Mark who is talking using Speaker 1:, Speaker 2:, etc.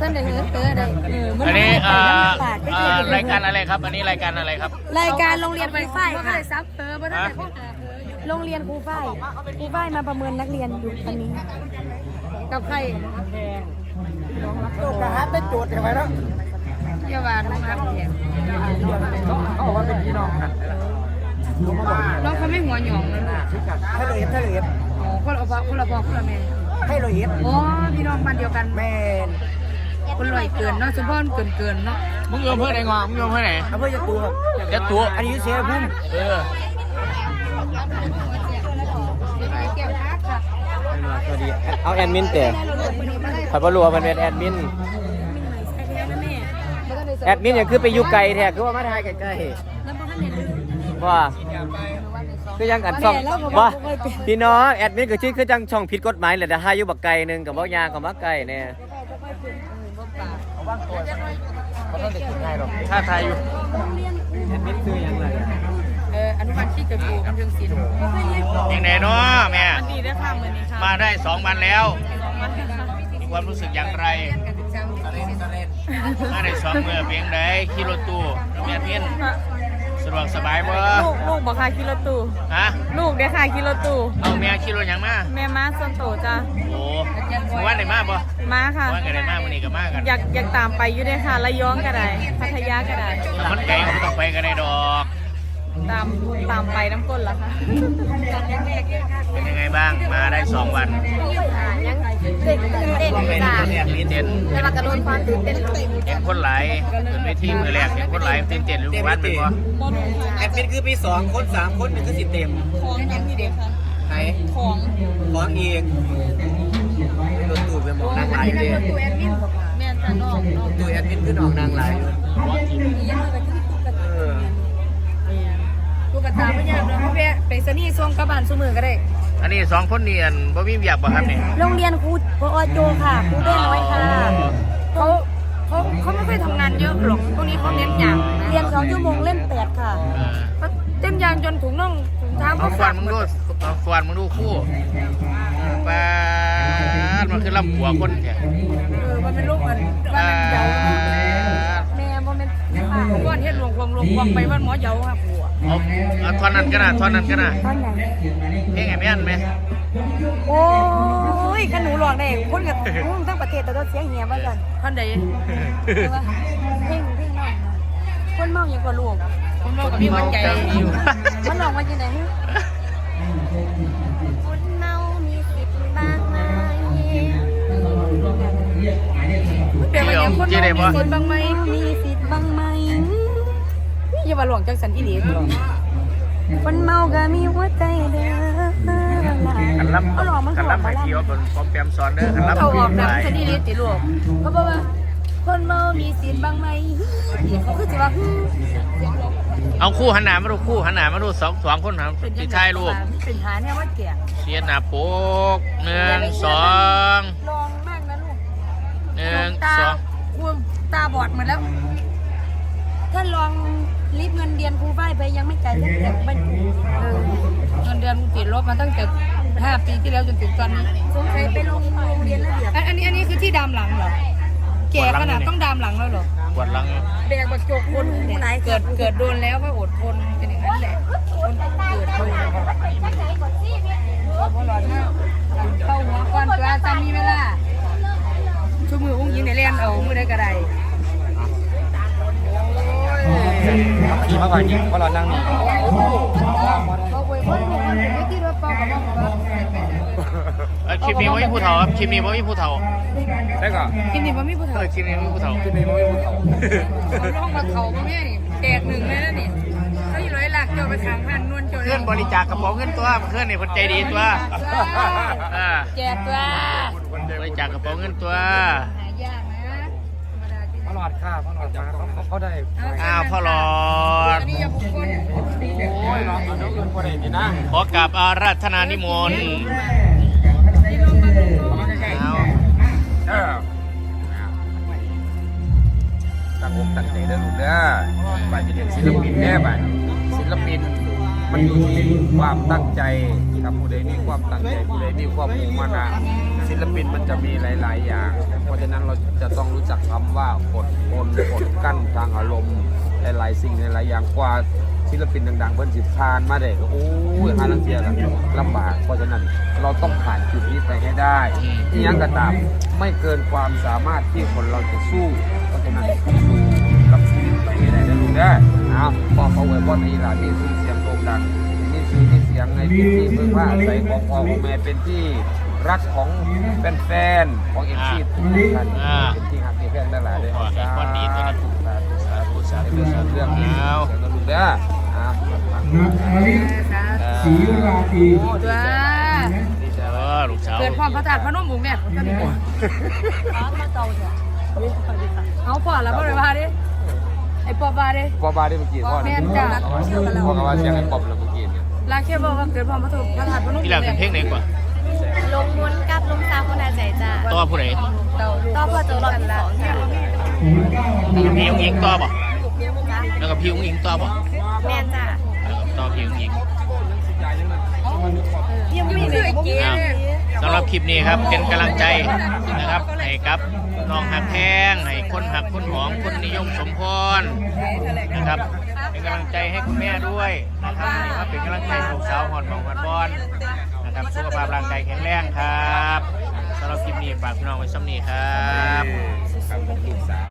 Speaker 1: ท่านได้เฮ้อได้
Speaker 2: อันนี้รายการอะไรครับอันนี้รายการอะไรครับ
Speaker 1: รายการโรงเรียนครูฝ้ายค่ะซับโรงเรียนครูฝ้ายมาประเมินนักเรียนอยู่ตอนนี้กับใคร
Speaker 3: โจทย์นะฮะได้โจทย์ใช่ไหมเนาะ
Speaker 1: เยาวานะครับ
Speaker 3: เขาบอกว่าเป็นพี่น้องกัน
Speaker 1: น้องเขาไม่หัวหยองนะ
Speaker 3: ให้เลย
Speaker 1: อ๋อคนละพ่อคนละแม่
Speaker 3: ให้เลย
Speaker 1: อ๋อพี่น้องบ้านเดียวกัน
Speaker 3: แม่
Speaker 1: คนลอยเกินเนาะสมพรเกินเนาะ
Speaker 2: มึงโยมเพื่อไหนงอมึงโยมเพื่อไหน
Speaker 3: อำเภอจะตัวครับ
Speaker 2: จะตัว
Speaker 3: อันนี้เสียพุ่มสวัสดีเอาแอดมินเตะขอบรู้ว่ามันเป็นแอดมินอย่างคือไปอยู่ไกลแท้คือว่ามาถ่ายใกล้ๆว่าคือยังกันช่องว่าพี่น้องแอดมินก็ชื่อคือจังช่องผิดกฎหมายแหละแต่ถ่ายอยู่บักไกลนึงกับบ่ยางกับบักไกลเนี่ยเขาต้องเด็กกินง่ายหรอกถ้าถ่ายอยู่แอดมินคือยังไง
Speaker 1: อนุบาลที่เกิดอยู่กำลังศิลป์
Speaker 2: ยังไงเนาะแม่
Speaker 1: ดีได้ค่ะเหมือนนี้ค่ะ
Speaker 2: มาได้2 วันแล้วมีความรู้สึกอย่างไรมาได้2 เมื่อเพียงใดขี่รถตู้แม่เพี้ยนสะดวกสบายบ่
Speaker 1: ลูกบอกค่ะขี่รถตู้
Speaker 2: ฮะ
Speaker 1: ลูกเด้ค่ะขี่รถตู้
Speaker 2: เอาแม่ขี่รถยังมา
Speaker 1: แม่มาส่วนโตจ้ะ
Speaker 2: โอ้วันไหนมาบ่
Speaker 1: มาค่ะ
Speaker 2: วันไหนมาวันนี้ก็มากัน
Speaker 1: อยากตามไปอยู่ด้วยค่ะระยองก็ได้พัทยาก็ได้
Speaker 2: มันไกลก็ต้องไปกันได้ดอก
Speaker 1: ตามไปน้ำก้นเหรอคะ
Speaker 2: เป็นยังไงบ้างมาได้2 วัน
Speaker 1: ยังเต้นจ้ะ
Speaker 2: เต้น
Speaker 1: แต่ว่ากระโดดความตื่นเต้น
Speaker 2: เห็นคนหลายเป็นเวทีมือแรกเห็นคนหลายตื่นเต้นอยู่วันเป็นบ่
Speaker 3: แอดมินคือปี2 คน3 คนนี่คือ10 เต็ม
Speaker 1: ของยังนี่เด็กค่ะ
Speaker 3: ไหน
Speaker 1: ของ
Speaker 3: อีกรถตู้เป็นหมองนางลายเลย
Speaker 1: ตู้แอดมินแม่จะนอก
Speaker 3: ตู้แอดมินคือน้องนางลาย
Speaker 1: ตู้กระตาไม่ยากเลยพ่อแม่ไปสนี่ส่งกระบาลสู้มือก็ได้
Speaker 2: อันนี้2 คนนี่บ่มีเวียกบ่ครับนี่
Speaker 1: โรงเรียนครูพอโจค่ะครูเด้น้อยค่ะเขาไม่ค่อยทำงานเยอะหรอกพวกนี้เขาเน้นอย่างเรียน2 ชั่วโมงเล่น8ค่ะเต้นยางจนถุงน่องถุงเท้า
Speaker 2: เขาฟวนมึงดูคู่ปาดมันคือลำหัวคนแท้
Speaker 1: มันเป็นลูกมันว่ามันเยาแม่บ่แม่นก้อนเฮ็ดหลวงควงไปบ้านหมอเยาค่ะผัว
Speaker 2: เอาท่อนนั้นก็น่ะท่อนไหนเพลงไงแม่นไหม
Speaker 1: โอ้ยขนูหลอกได้คนกับทั้งประเทศแต่ก็เสียงเหี่ยว่ากันท่านใดเพลงคนเมาอย่างกว่าลูกคนเมากับพี่มันใจมันหลอกมาจากไหนคนเมามีสิทธิ์บ้างไหมเดี๋ยวอย่างคนเมามีสิทธิ์บ้างไหมมีสิทธิ์บ้างไหมอย่ามาหลวงจังสันอีหลีคนเมาก็มีหัวใจเด้อ
Speaker 2: กันล้ำไปเที่ยวบนปอมแปมซ้อนเด้อกันล้ำ
Speaker 1: เขาออกนะสันอีหลีติลูกเขาบอกว่าคนเมามีสิทธิ์บ้างไหมเขาคือจะว่า
Speaker 2: เอาคู่หันหน้ามาดูคู่หันหน้ามาดูสองคนครับที่ท้ายรูป
Speaker 1: เป็นหาเนี่ยว่าเกี่ย
Speaker 2: เชียร์หน้าโป๊ก1 2ลอง
Speaker 1: มากนะลูก
Speaker 2: 1
Speaker 1: 2ตาบอดหมดแล้วถ้าลองรีบเงินเดือนครูฝ้ายไปยังไม่จ่ายตั้งแต่เงินเดือนติดลบมาตั้งแต่5 ปีที่แล้วจนถึงตอนนี้สงสัยไปโรงเรียนระเบียบอันนี้คือที่ดามหลังเหรอแก่ขนาดต้องดามหลังแล้วเหรอ
Speaker 2: ปวดหลัง
Speaker 1: แบกบักโจกคนเกิดโดนแล้วก็อดทนเป็นอย่างนั้นแหละคนเกิดโดนพอหลอดมากเข้าหัวก้อนตัวจำมีเวลาชูมืออุ้งยิงในเล่นเอามือได้กระได
Speaker 3: ขี่มาก่อนยิงเพราะเรานั่งนี่
Speaker 2: คลิปนี้ว่ามีผู้เฒ่าครับคลิปนี้ว่ามีผู้เฒ่า
Speaker 3: ได้ก่อน
Speaker 1: คลิปนี้ว่ามีผู้เฒ่า
Speaker 2: คลิปนี้ว่ามีผู้เฒ่า
Speaker 1: ร้องมาเฒ่ามาแม่นี่แตก1เลยนะนี่เขาอยู่ร้อยหลักเจ้าไปทางหันนวลเจ้า
Speaker 2: เพื่อนบริจาคกระเป๋าเงินตัวเพื่อนนี่คนใจดีตัว
Speaker 1: แจกตัว
Speaker 2: บริจาคกระเป๋าเงินตัว
Speaker 1: หายากนะ
Speaker 3: พ่อหลอดค่ะพ่อหลอดมาเขาได้
Speaker 2: พ่อหลอด
Speaker 1: นี่อย่าบุกคน
Speaker 3: โอ้ยน้องเอาน้องเงินพอได้ดีนะ
Speaker 2: ขอกราบอาราธนานิมนต์
Speaker 3: ตั้งใจเด้อลูกเด้อบ้านจะเรียนศิลปินแน่บ้านศิลปิน
Speaker 4: มันอยู่ที่ความตั้งใจครับผู้ใดมีความตั้งใจผู้ใดมีความมุ่งมั่นนะศิลปินมันจะมีหลาย ๆ อย่าง เพราะฉะนั้นเราจะต้องรู้จักคำว่าอดทนอดกั้นทางอารมณ์หลายๆสิ่งหลายๆอย่างกว่าศิลปินดังๆเพิ่นสิผ่านมาได้ก็โอ้ยหาลังเทียกันลำบากเพราะฉะนั้นเราต้องผ่านจุดนี้ไปให้ได้ที่ยังกระตามไม่เกินความสามารถที่คนเราจะสู้เพราะฉะนั้นสู้กับชีวิตไปให้ได้นะลูกนะพอเขาไว้บอลในหลานนี่คือเสียงโด่งดังนี่คือที่เสียงในพื้นที่เพื่อว่าอาศัยของพ่อของแม่เป็นที่รักของแฟนๆของเอ็มซีทุกท่านเป็นที่ฮักที่แฟนได้หลายเลยสาธุเรื่องนี้เดี๋ยวลูกเด้อ
Speaker 1: ศรีราตรี
Speaker 2: ลูกสาว
Speaker 1: เกิดความพระธาตุพนมบุกเนี่ยก็ดีกว่าเอาพ่อแล้วพ่อเลยว่าดิไอ้ปอบว่าดิ
Speaker 4: พ่อบาได้เมื่อกี้พ่อ
Speaker 1: แม่นจ้ะ
Speaker 4: พ่อก็ว่าเสียงไอ้ปอบแล้วเมื่อกี้เนี่ย
Speaker 1: ลาแค่บอกว่าเกิดความพระธาตุพนม
Speaker 2: พี่หลังเป็นเพลงไหนกว่า
Speaker 5: ลงมุนกับลงสาวคนหาใจจ้า
Speaker 2: ต่อผู้ใด
Speaker 5: ต่อพ่อโจรกันละจ้า
Speaker 2: พี่อุ้งอิงต่อบ่แล้วก็พี่อุ้งอิงต่อบ่
Speaker 5: แม่จ้า
Speaker 2: ต่อพี่อุ้งอิง
Speaker 1: ยังไม่เคยกิน
Speaker 2: สำหรับคลิปนี้ครับเป็นกำลังใจนะครับให้กับน้องหักแพงให้คนหักคนหอมคนนิยมสมพรนะครับเป็นกำลังใจให้คุณแม่ด้วยนะครับเป็นกำลังใจให้ลูกสาวหอดหมองหอดบอลนะครับสุขภาพร่างกายแข็งแรงครับสำหรับคลิปนี้ฝากพี่น้องไว้ซ้ำนี้ครับ